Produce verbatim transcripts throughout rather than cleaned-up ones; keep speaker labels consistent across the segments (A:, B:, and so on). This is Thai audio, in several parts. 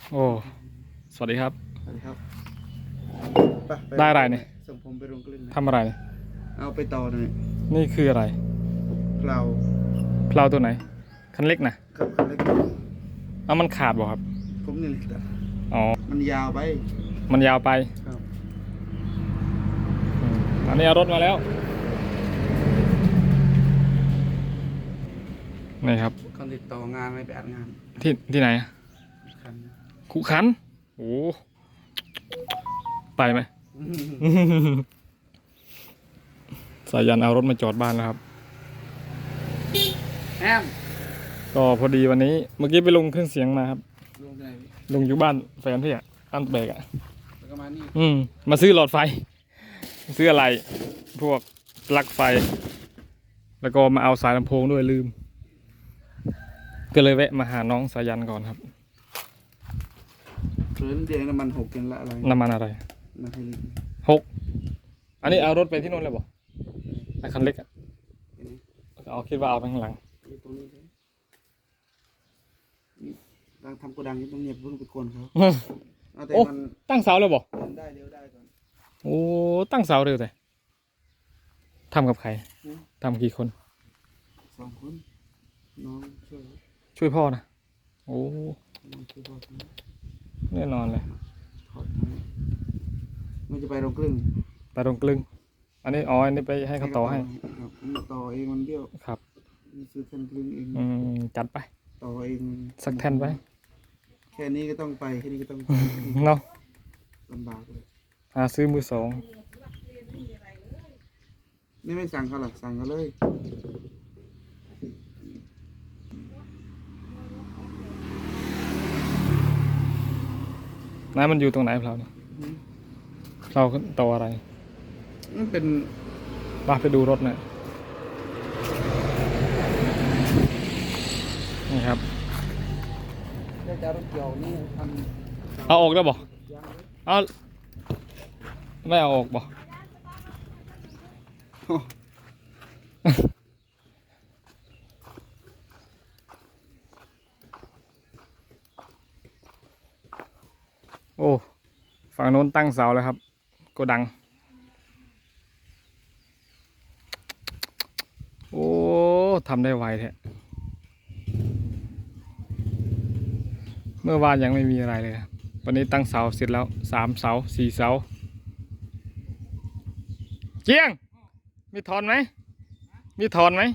A: โอ้สวัสดีครับ
B: สวัสดีครับ
A: ได้อะไรเนี่ย
B: ส่งผมไปโรงกลึง
A: ทำอะไรเนี่ย
B: เอาไปต่อหน่อย
A: นี่คืออะไร
B: เปล่า
A: เพลาตัวไหน คันเล็กนะครับ
B: คันเล็ก
A: เอามันขาดบ่ครับ
B: ผมนี่เลยตัด
A: อ๋อ
B: มันยาวไป
A: มันยาวไป
B: ครับ
A: อืมอันนี้เอารถมาแล้ว นี่ครับ
B: คนติดต่องานไม่ไปอัดงาน
A: ที่ที่ไหน
B: คัน
A: ขุขัน โอ้ ไปไหม สายันเอารถมาจอดบ้านแล้วครับ
B: แอม
A: ก็พอดีวันนี้ เมื่อกี้ไปลงเครื่องเสียงมาครับ
B: ลงไหน
A: ลงอยู่บ้านแฟนพี่อ่ะอันเบรกอ่ะ
B: แล้วก็มานี่
A: อืม มาซื้อหลอดไฟ ซื้ออะไร พวกปลั๊กไฟ แล้วก็มาเอาสายลำโพงด้วยลืม ก็เลยแวะมาหาน้องสายันก่อนครับ
B: เรือเดียวน้ำมันหกกันละอะไร
A: น้ำมันอะไร
B: มาให้ลิง
A: หก อันนี้เอารถไปที่นู่นเลยบ่ไอ้คันเล็กอ่ะ เอาคิดว่าเอาไปข้างหลัง
B: อยู่ตรงนี้เลยนี่ตั้งทำโกดังนี่ต้องเงียบเพิ่งไปกวนเขาเอาแต่
A: โอ้
B: มัน
A: ตั้งเสาเลยบ่
B: เดินได้เร็วได้ก่อน
A: โอ้ ตั้งเสาเร็วแต่ทำกับใครทำกี่คน
B: สองคนน้องช่วย
A: ช่วยพ่อนะ โอ้
B: น้องช่วยพ่อทำ
A: แน่นอนเลย
B: ถอดทั้งมันจะไปโรงกลึง
A: ไปตรงกลึง อันนี้อ๋ออันนี้ไปให้เขาต่อให้
B: ครับผมต่อเองมันเบี้ยว
A: ครับ
B: มีซื้อแท่นกลึงเอง
A: อืม จัดไป
B: ต่อเอง
A: สักแท่นไป
B: แค่นี้ก็ต้องไปแค่นี้ก็ต้องไป
A: เนาะ
B: ลำบากเลย
A: หาซื้อมือสอง
B: นี่ไม่สั่งเขาหรอกสั่งเขาเลย
A: น้ำมันอยู่ตรงไหนเพลาเนี่ยเพลาต่ออะไร
B: มันเป็น
A: มาไปดูรถหน่อยนี่ครับ
B: ได้จะรถเกี่ยวนี่ท
A: เอาออกได้บ่
B: ำยางเลย
A: เอาไม่เอาออกบ่
B: โอ้
A: โอ้ฝั่งโน้นตั้งเสาแล้วครับโกดัง โอ้ทำได้ไวแท้เมื่อวานยังไม่มีอะไรเลยครับวันนี้ตั้งเสาเสร็จแล้วสามเสาสี่เสาเจียงมีถอนไหมมีถอนไหม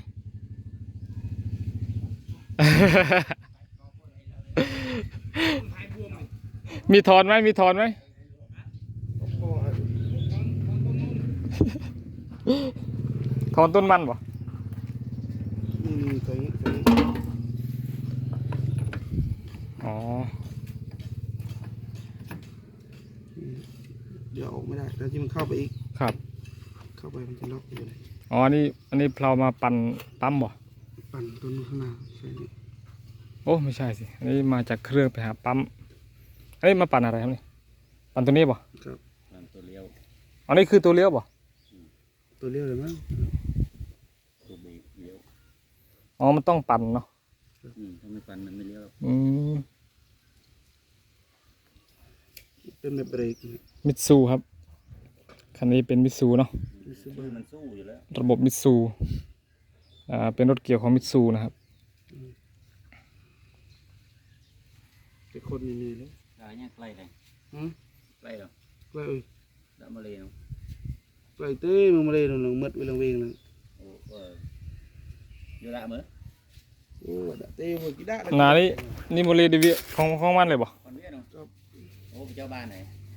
A: มีถอนไหมมีถอนไหมถอนต้นมันบ่
B: นี่นี่ตัวนี้ตัวนี้
A: อ๋อ
B: เดี๋ยวออกไม่ได้แต่ที่มันเข้าไปอีก
A: ครับ
B: เข้าไปมันจะล็อกอยู่เลย
A: อ๋ออันนี้อันนี้เรามาปั่นปั๊มบ่
B: ปั่นตัวนู้นข้างหน้าใช่นี่
A: โอ้ไม่ใช่สิอันนี้มาจากเครื่องไปหาปั๊มเฮ้ยมาปั่นอะไรครับนี่ปั่นตัวนี้บ่
B: ครับ
C: ตัวเลี้ยว
A: อันนี้คือตัวเลี้ยวบ่
B: ตัวเลี้ยวเลยมั้ง
C: ตัวเบรกเลี้ยว
A: อ๋อมันต้องปั่นเนาะ
C: อืมถ้าไม่ฟันมันไม่เลี้ยวหรอก
A: อืม
B: เป็นแบบเบรกนี่
A: มิตซูครับคันนี้เป็นมิตซูเนาะ
B: มิซู
C: มื
B: เบิ
C: อ
B: ร์
C: มันสู้อยู่แล้ว
A: ระบบมิตซูอ่าเป็นรถเกี่ยวของมิตซูนะครับ
B: เป็นคนยังไงเลย
C: กายเนี่ยใกล้เลย
B: ฮะ
C: ใกล้หรอ
B: ใกล้เอ้ย
C: แล้วมาเลยเนาะ
B: ใกล้เต้มึงมาเลยหนึ่งมัดเวลาเวงเลย
C: โอ้เออเยอะละเหมือน
B: โอ้ดะเต้หมดกี่ด้า
A: นานี่นี่โมเลดิวิของของมันเลยบ่
C: คนเวียดเนาะโอ้เป็นเจ้าบ้านไหน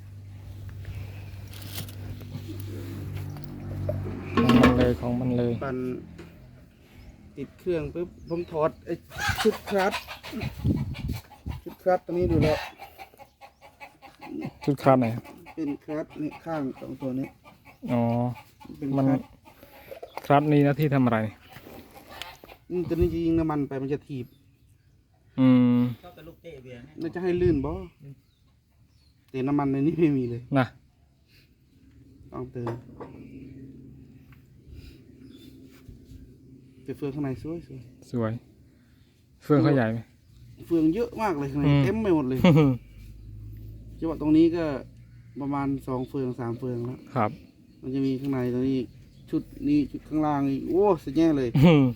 A: ของมันเลยของมันเลย
B: ปั่นติดเครื่องปุ๊บผมถอดไอ้ชุดครัดชุดครัดตัวนี้ดูแล้ว
A: ชุดคราดไหนครับ
B: เป็นครัดนี่ข้างสองตัวนี้
A: อ๋อ
B: เป็น
A: มัน
B: ครัด
A: คราดนี้หน้าที่ทำอะไร
B: นี่ตัวนี้จะยิงน้ำมันไปมันจะถีบ
A: อืม
C: ชอบกับลูกเตะเบียร์เนี่ย
B: น่าจะให้ลื่นบ่แต่น้ำมันในนี้ไม่มีเลย
A: นะ
B: ต้องเติมแต่เฟืองข้างในสวยสวย
A: สวย เฟืองเขาใหญ่ไหม
B: เฟืองเยอะมากเลยข้างใน
A: อืม
B: เต็มไปหมดเลยฉพาะตรงนี้ก็ประมาณสองเฟืองสามเฟืองแล้ว
A: ครับ
B: มันจะมีข้างในตรงนี้ชุดนี้ชุดข้างล่างอีกโอ้สุดแย่เลย
A: อืม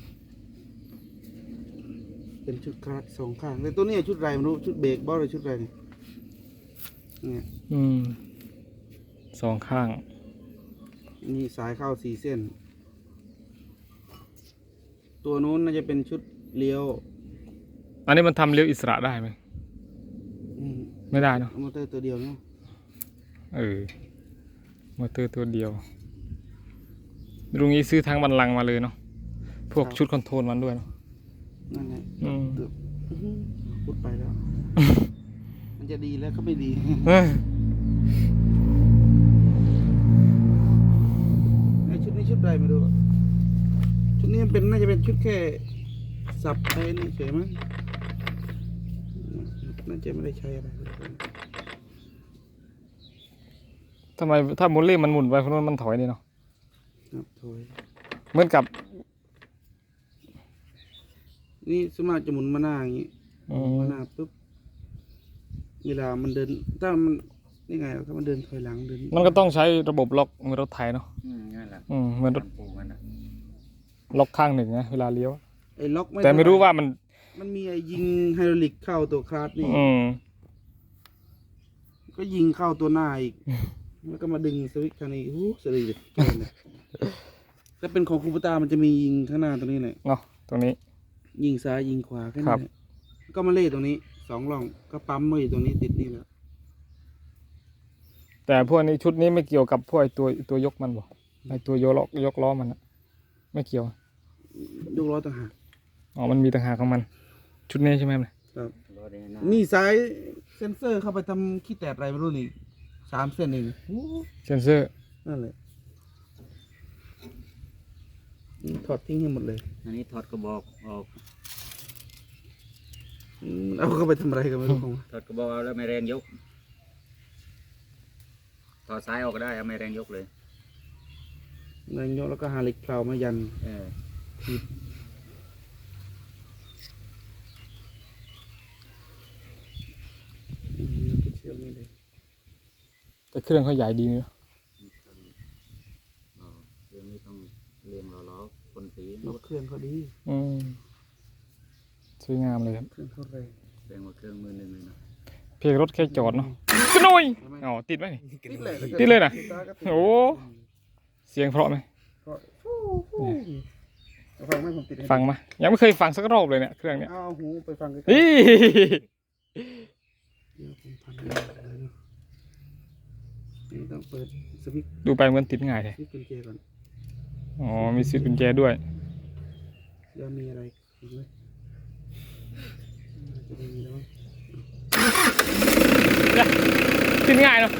B: เป็นชุดคลัตช์สองข้างแต่ตัวนี้ชุดไรไม่รู้ชุดเบรกบอสหรือชุดไรเนี่ยเนี่ย
A: อืมสองข้าง
B: มีสายเข้าสี่เส้น ตัวนู้นน่าจะเป็นชุดเลี้ยว
A: อันนี้มันทำเลี้ยวอิสระได้ไหม
B: อืม
A: ไม่ได้เนาะ
B: มอเตอร์ตัวเดียวเนาะ
A: เออมอเตอร์ตัวเดียวลุงนี้ซื้อทั้งบันลังก์มาเลยเนาะพวกชุดคอนโทรลมันด้วยเนาะ
B: นั่นแหละ
A: อืม
B: เกือบอื้อหือพูดไปแล้ว มันจะดีแล้วก็ไม่ดี
A: เอ้ย
B: ไอชุดนี้ชุดไรไม่รู้อะชุดนี้มันเป็นน่าจะเป็นชุดแค่สับไอ้นี่เฉยมั้งน่าจะไม่ได้ใช้อะไรเลย
A: ทำไมถ้าหมุนเล่มันหมุนไปคนนู้นมันถอยนี่เนาะ
B: ครับถอย
A: เหมือนกับ
B: นี่สวนมากจะหมุนมาหน้าอย่างงี้
A: อืม
B: มาหน้าปุ๊บเวลามันเดินถ้ามันนี่ไงถ้ามันเดินถอยหลังเดิน
A: มันก็ต้องใช้ระบบล็อกเหมือนรถไถเนาะ
C: อืมนั่นแหละ
A: อืมเหมือนรถ
C: ปูมันอ่ะ
A: ล็อกข้างหนึ่งนะเวลาเลี้ยว
B: ไอ้ล็อกไม่
A: แต่ไม่รู้ว่ามัน
B: มันมีไอ้ยิงไฮดรอลิกเข้าตัวคลัตช์นี่
A: อืม
B: ก็ยิงเข้าตัวหน้าอีก แล้วก็มาดึงสวิตช์คันนี้หูสลีเลยถ้าเป็นของคูปต้ามันจะมียิงข้างหน้าตรงนี้เลย
A: เนาะตรงนี้
B: ยิงซ้ายยิงขวาแค่
A: ครั
B: นั้
A: บ
B: นแหละก็มาเล่ตรงนี้สองร่องก็ปั๊มมาอยู่ตรงนี้ติดนี่แล้ว
A: แต่พวกนี้ชุดนี้ไม่เกี่ยวกับพวกไอ้ตัวตัวยกมันบ่ไอตัวยกล้อยกล้อมันอะไม่เกี่ยวย
B: กล้อต่างหาก
A: อ๋อมันมีต่างหากของมัน ชุดนี้ใช่ไหมมัน
B: ครับ
C: รอได้นะ
B: นี่สายเซ็นเซอร์เข้าไปทำขี้แตกอะไรไม่รู้นี่สามเส้นเองโอ้
A: เซนเซอร์
B: นั่นแหละนี่ถอดทิ้งให้หมดเลย
C: อันนี้ถอดกระบอกออก
B: อืมเอาเข้าไปทำอะไรกันไม่รู้ของ
C: ถอดกระบอกเอาแล้วไม่แรงยกถอดซ้ายออกก็ได้เอาไม่แรงยกเลย
B: นายกแล้วก็หาเหล็กเผามายัน
C: เออ
B: อืมเชื่อมนี่เลย
A: แต่เครื่องเขาใหญ่ดีเนอะ
C: อ๋อเรื่องนี้ต้องเรียงล้อๆคนสี
B: รถเครื่องเขาดี
A: อืมสวยงามเลยครับ
B: เครื่องเขาแรง
C: แรงกว่าเครื่องมือหนึ่งเลยนะ
A: เพียงรถแค่จอดเนาะกระนุยอ๋อติดไหมนี่
B: ติดเลย
A: ติดเลยนะ
B: ติดตาก็ติด
A: โอ้ เสียงเพราะไหม
B: ก็ฟู่ฟู่ฟังไหมผมติดให้
A: ฟังมายังไม่เคยฟังสักรอบเลยเนี่ยเครื่องเนี้ย
B: เอาหูไปฟังกัน
A: อี
B: เดี๋ยวผมฟังเลยเนาะนี่ต้องเปิดสวิตช์
A: ดูไปเหมือนติดง่ายเลย
B: สวิตช์กุญแจก่อน
A: อ๋อมีสวิตช์กุญแจด้วย
B: เดี๋ยวมีอะไรอีกไหมน่าจะไม่มีแล้วมั้ง
A: ติดง่ายเนาะ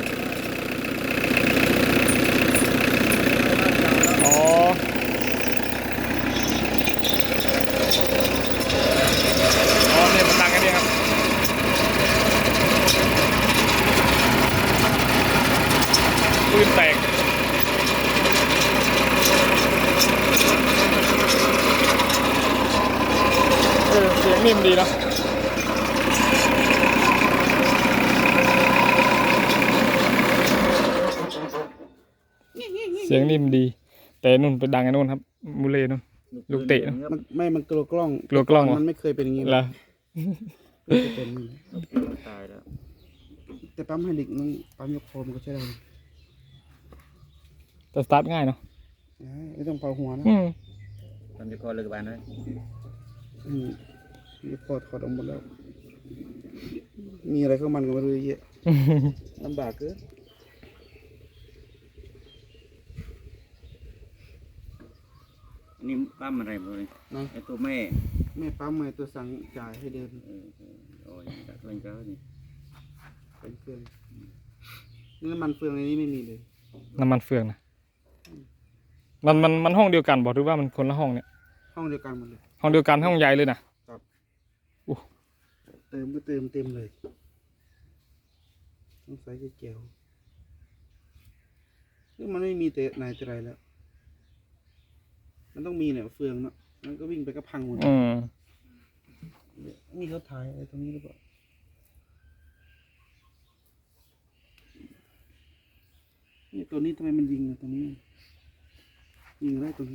A: อ๋ออ๋อเนี่ยมันดังกันเนี่ยครับปืนแตกเออเสียงนิ่มดีเนาะเสียงนิ่มดี แต่นุ่นไปดังไอ้นุ่นครับมูเลนุ่น ลูกเตะนะ
B: มันไม่มันกลัวกล้อง
A: กลัวกล้องเหรอ
B: มันไม่เคยเป็นอย่างนี้
A: แล้ว
B: เพิ่งจะเป็นนี่
C: ตายแล้ว
B: แต่ปั๊มไฮดรอลิกมันปั๊มยกโคมก็ใช้ได้นะ
A: แต่สตาร์ทง่ายเนาะ
B: ไม่ต้องเป่าหัวนะ
A: อืม
C: ทำจะคอเลิกบ้านเลย
B: อืมนี่พอถอดออกหมดแล้ว มีอะไรเข้ามันก็ไม่รู้เยอะแยะลำบากเกิน
C: อันนี้ปั้มอะไรหมดเลย
B: นะ
C: ไอ้ตัวแม่
B: แม่ปั๊มไงตัวสั่งจ่ายให้เดิน
C: เออเออโอ้ยจัดเล่นเจ้านี่
B: เป็นเครื่องนี่น้ำมันเฟืองในนี้ไม่มีเลย
A: น้ำมันเฟืองนะมันมันมันห้องเดียวกันบอกหรือว่ามันคนละห้องเนี่ย
B: ห้องเดียวกันหมดเลย
A: ห้องเดียวกันห้องใหญ่เลยนะ
B: เติมก็เติมเต็มเลยต้องใส่เจียวนี่มันไม่มีแต่ไหนแต่ไรแล้ว มันต้องมีเนี่ยเฟืองเนาะมันก็วิ่งไปก็พังหมด
A: อืม
B: มีรถถ่ายอะไรตรงนี้หรือเปล่านี่ตัวนี้ทำไมมันยิงอะตรงนี้ ยิงได้ตรงนี้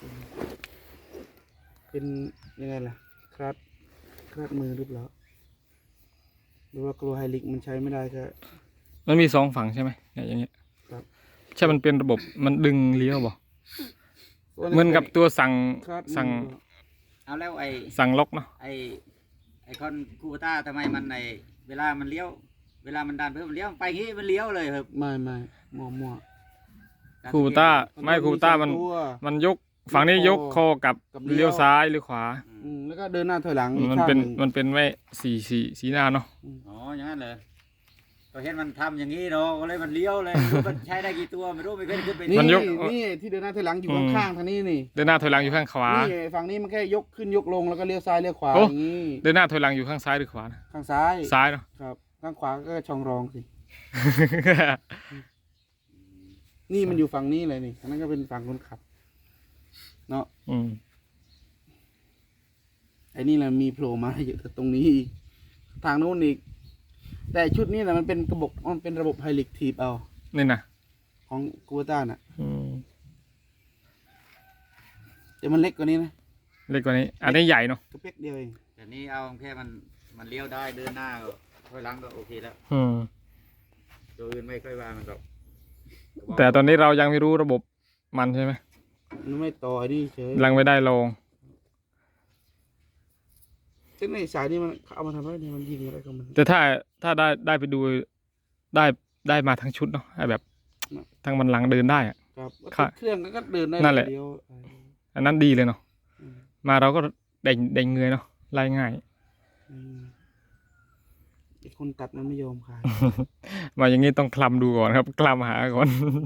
B: เป็นยังไงล่ะคราดคราดมือหรือเปล่าหรือว่ากลัวไฮลิกมันใช้ไม่ได้ก็
A: มันมีสองฝั่งใช่ไหมเนี่ยอย่างเงี้ย
B: ครับ
A: ใช่มันเป็นระบบมันดึงเลี้ยวบ่เหมือนกับตัวสั่ง
B: คราดมือ
A: สั่ง
C: เอาแล้วไอ้
A: สั่งล็อกเนาะ
C: ไอ้ไอ้คอนคูปต้าทำไมมันในเวลามันเลี้ยว เวลามันดันเพิ่มมันเลี้ยวไปงี้มันเลี้ยวเลยครับ
B: ไม่ไม่มั่วมั่ว
A: คูต้า
B: ๆ
A: ไม่คูต้ามัน
B: ตัว
A: มันยกฝั่งนี้ยกคอกับ
B: กับเลี้ยว
A: เลี้ยวซ้ายหรือขวา
B: อืมแล้วก็เดินหน้าถอยหลังอีก
A: มัน
B: ข้าง
A: เป็น
B: หนึ่ง
A: มันเป็นไว้สี่สี่สีหน้าเนาะ
C: อ๋ออย่างนั้นเลยก็เห็นมันทำอย่างนี้เนาะก็เลยมันเลี้ยวเลยไม่รู้มันใช้ได้กี่ตัวไม่รู้ไม่เคยขึ้นไป
B: นี่
A: มันยก
B: นี่ที่เดินหน้าถอยหลังอยู่
A: อืม
B: ข้างๆทางนี้นี่
A: เดินหน้าถอยหลังอยู่ข้างขวา
B: นี่ฝั่งนี้มันแค่ยกขึ้นยกลงแล้วก็เลี้ยวซ้ายเลี้ยวขวา
A: โอ้
B: อย่างนี้
A: เดินหน้าถอยหลังอยู่ข้างซ้ายหรือขวานะ
B: ข้างซ้าย
A: ซ้ายเนาะ
B: ครับ ข้างขวาก็ช่องรองสิ นี่มันอยู่ฝั่งนี้เลยนี่อันนั้นก็เป็นฝั่งคนขับ เนาะ
A: อืม
B: ไอ้นี่แหละมีโผล่มาเยอะแต่ตรงนี้อีกทางโน้นอีก แต่ชุดนี้แหละมันเป็นระบบมันเป็นระบบไฮลิกทีบเอา
A: นี่นะ
B: ของกูต้าน่ะ
A: อืม
B: แต่มันเล็กกว่านี้นะ
A: เล็กกว่านี้ อันนี้ใหญ่เนาะ
B: กระเป๊กเดียวเอง
C: แต่นี่เอาแค่มันมันเลี้ยวได้เดินหน้าก็ถอยหลังก็โอเคแล้ว
A: อืม
C: ตัวอื่นไม่ค่อยว่ามันหรอก
A: แต่ตอนนี้เรายังไม่รู้ระบบมันใช่ไหม
B: มันไม่ต่อไอ้นี่เฉย
A: ยังไม่ได้ลอง
B: ซึ่งในสายนี่มันเอามาทำอะไรเนี่ยมันยิงอะไรกับมัน
A: แต่ถ้าถ้าได้ได้ไปดูได้ได้มาทั้งชุดเนาะให้แบบทั้งมันหลังเดินได้อะ
B: ครับ
A: ค่ะ
B: เครื่องก็เดินได้
A: นั่นแหละ
B: เดียว
A: อันนั้นดีเลยเนาะ
B: อืม
A: มาเราก็เด่งเด่งเงยเนาะไล่ง่าย
B: อืมไอ้คนตัดมันไม่ยอมขาย
A: มาอย่างนี้ต้องคลำดูก่อนครับคลำหาก่อน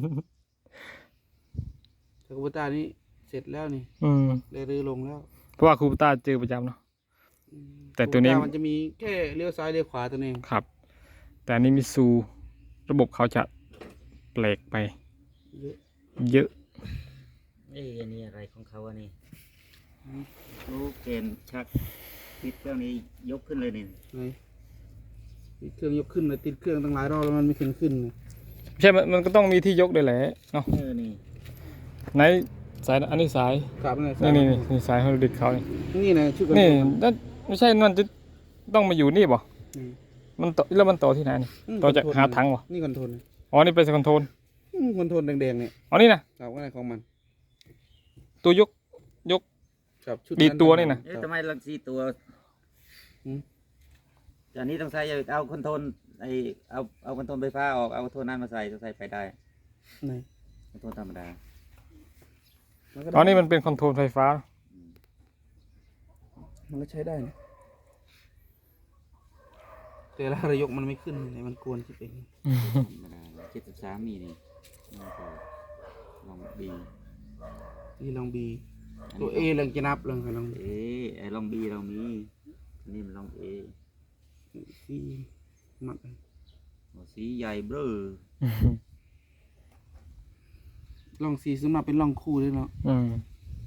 B: แต่กูต้านี่เสร็จแล้วนี่
A: อืม
B: เลยรื้อลงแล้ว
A: เพราะว่าครูต้าเจอประจำเนาะ
B: อืม
A: แต่ตัวนี้
B: กูมันจะมีแค่เลี้ยวซ้ายเลี้ยวขวาตัวนี้เอง
A: ครับ แต่อันนี้มิซูระบบเขาจะแปลกไป
B: เยอะ
A: เยอะ
C: เอ้ยอันนี้อะไรของเขาอันนี้รู้เกณฑ์ชักปิดเครื่องนี้ยกขึ้นเลยนี่
B: ไหนติดเครื่องยกขึ้นเลยติดเครื่องตั้งหลายรอบแล้วมันไม่ขึ้นขึ้นเลย
A: ใช่มันมันก็ต้องมีที่ยกด้วยแหละเนาะ
C: เออนี่
A: ไหนสายอันนี้สาย
B: ครับนี่
A: นี่นี่นี่นี่สายฮอลดิกเขานี่
B: นี่นะชุดกัน
A: นี่นั่นไม่ใช่มันจะต้องมาอยู่นี่บ่
B: อืม
A: มันต่อแล้วมันต่อที่ไหนนี่
B: ม
A: ต่อจาก
B: คอนโทรล
A: หาถังบ่
B: นี่คอนโทรล
A: อ๋อนี่เป็นคอนโทรล
B: อืมคอนโทรลแดงๆเนี่ย
A: อ๋อนี่นะครับ
B: ว่าอะไรของมัน
A: ตัวยกยก
B: ครับชุด
A: ดีดตัวนี่นะ
C: เอ๊ะทำไมลังสีตัว
B: อืม
C: แต่อันนี้ต้องใช้เอาคอนโทรลไอเอาเอาคอนโทรลไฟฟ้าออกเอาคอนโทรลนั้นมาใส่จะใส่ไปได้
B: ไหน
C: คอนโทรลธรรมดา
B: มันก็ได้
A: อ๋อนี่มันเป็นคอนโทรลไฟฟ้า
B: มันก็ใช้ได้นะแต่ละระยกมันไม่ขึ้นเลยมันกวนคิดเอง
C: ธรรมดาเจ็ดสิบสามมีนี่นี่ก็ลองบี
B: นี่ลองบีตัวเอลองจะนับลองลอง
C: เอไอลองบีลองมีอันนี้มันลองเอ
B: ซีนับ
C: หัวสีใหญ่เบ้อ
B: ลองซีสำหรับเป็นลองคู่ด้วยเนาะ
A: อืม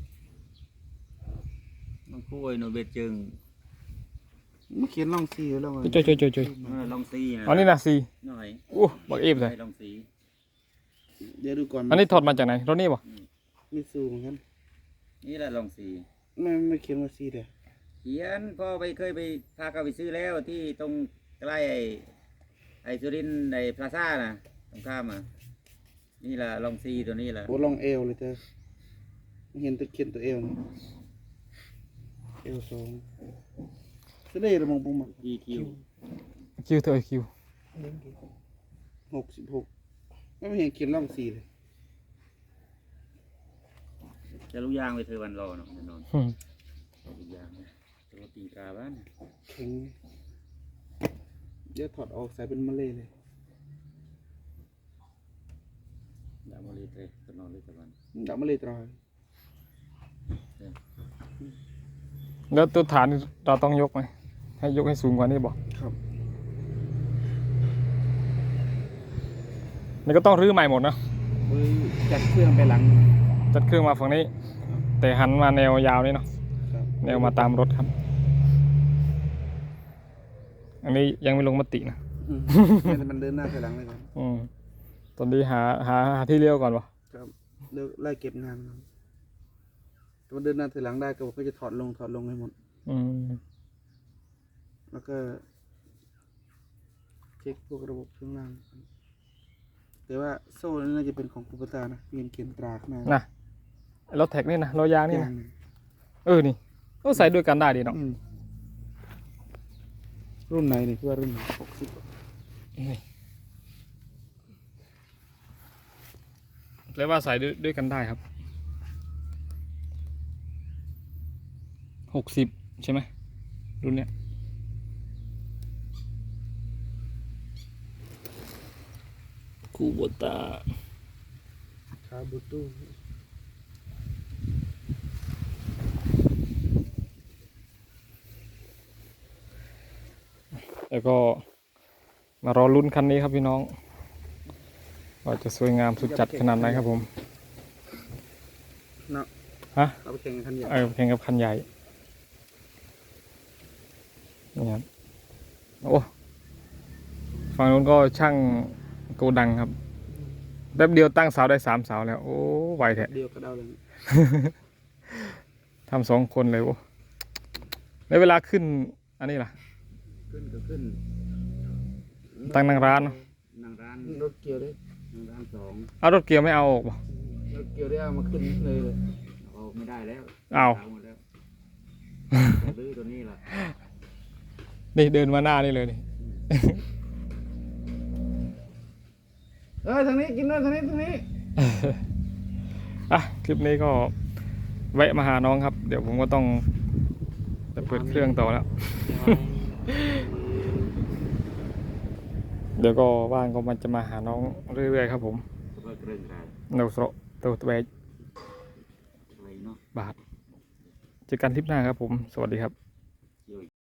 C: ต้องคุยโนเบตจึง
B: ไม่เขียนลองซีแล้วมัน
A: ช่วยช่วยช่วยช่วย
C: เออลองซีนะ
A: อ๋อนี่นะซี
C: หน่อย
A: อู้บักเอฟเลย
C: ลองสี
B: เดี๋ยวดูก่อน
A: อันนี้ถอดมาจากไหนรถนี่บ่
B: ไม่ซูเหมือนกัน
C: นี่แหละลองสี
B: ไม่ไม่เขียนว่าซีเด้อ
C: เขียนพ่อไปเคยไปพาเขาไปซื้อแล้วที่ตรงใกล้ไอ้ไอ้สุรินทร์ไอ้พลาซ่านะตรงข้ามอ่ะนี่แหละลองซีตัวนี้แหละ
B: โอ้ลองเอลเลยเธอเห็นตัวเขียนตัวเอลนะเอลสองก็ได้ระมงปุ่มอ่ะ
C: ดีคิว
A: คิวเธอคิว
B: หกสิบหกไม่เห็นเขียนลองซีเลย
C: จะรู้ยางไปเธอวันรอเนาะแน่นอน
A: อืม
C: รู้ยางตัวตีกาบ้าน
B: แข็งเดี๋ยวถอดออกใส่เป็นมะเล่เลย
C: ดาวมาเลยเตะตัวนอนเลยตะวัน
B: ดับมะเล่ตรอย
A: แล้วตัวฐานนี่เราต้องยกไหมให้ยกให้สูงกว่านี้บ่
B: ครับ
A: นี่ก็ต้องรื้อใหม่หมดนะ
B: เฮ้ยจัดเครื่องไปหลัง
A: จัดเครื่องมาฝั่งนี้ แต่หันมาแนวยาวนี่เนาะ
B: ครับ
A: แนวมาตามรถครับ อันนี้ยังไม่ลงมตินะ
B: อืมให้มันเดินหน้าไปหลังเลยครับ
A: อืมตอนนี้หาหาหาที่เลี้ยวก่อนวะ
B: ครับเลิกไล่เก็บงานครับแต่ว่าเดินหน้าถอยหลังได้ก็บอกก็จะถอดลงถอดลงให้หมด
A: อืม
B: แล้วก็เช็คพวกระบบข้างล่างแต่ว่าโซ่นี่น่าจะเป็นของคูปตานะเปลี่ยนเขียนตราข้างหน้า
A: นะรถแท็กนี่นะรถยางนี่
B: อ
A: นะ
B: ย่างหนึ่ง
A: เออนี่โอ้ใส่ด้วยกันได้ดีเนาะ
B: อืมรุ่นไหนนี่คือว่ารุ่นไหนหกสิบ
A: นี่แปลว่าใส่ด้วยด้วยกันได้ครับหกสิบใช่ไหมรุ่นเนี้ยคูโบตา
B: คาบูตู้
A: แล้วก็มารอลุ้นคันนี้ครับพี่น้องว่าจะสวยงามสุดจัดขนาดไหนครับผม
B: เนาะ
A: ฮะ
B: เอาไปแข่งกันคันใหญ่
A: เออแข่งกับคันใหญ่นี่ครับโอ้ฝั่งนู้นก็ช่างโกดังครับแป๊บเดียวตั้งเสาได้สามเสาแล้ว โอ้ไวแท้
B: เดียวก็ได้เลย
A: ทำสองคนเลยโอ้ในเวลาขึ้นอันนี้ล่ะ
C: ขึ้นก็ขึ้น
A: ตั้งนั่งร้านเนอะ
C: นั่งร้าน
B: รถเกี่ยวได้
C: นั่งร้านสอง
A: เอารถเกียร์ไม่เอาออกบ่
B: รถเกี่ยวได้เอามาขึ้นเลยเลย
C: เอาไม่ได้แล้ว
A: เอา
C: หมดแล้วจะลื้อตัวนี้ล่ะ
A: นี่เดินมาหน้านี่เลยนี่
B: เออทางนี้กินด้วยทางนี้ทางนี้
A: อ่ะคลิปนี้ก็แวะมาหาน้องครับ เดี๋ยวผมก็ต้องจะเปิดเครื่องต่อแล้ว เดี๋ยวก็ว่างก็มันจะมาหาน้องเรื่อยๆครับผม
C: สบายเกรงไร
A: เนวโสระตัวตะเวก
C: อะไรเนาะ
A: บาทเจอกันคลิปหน้าครับผม สวัสดีครับ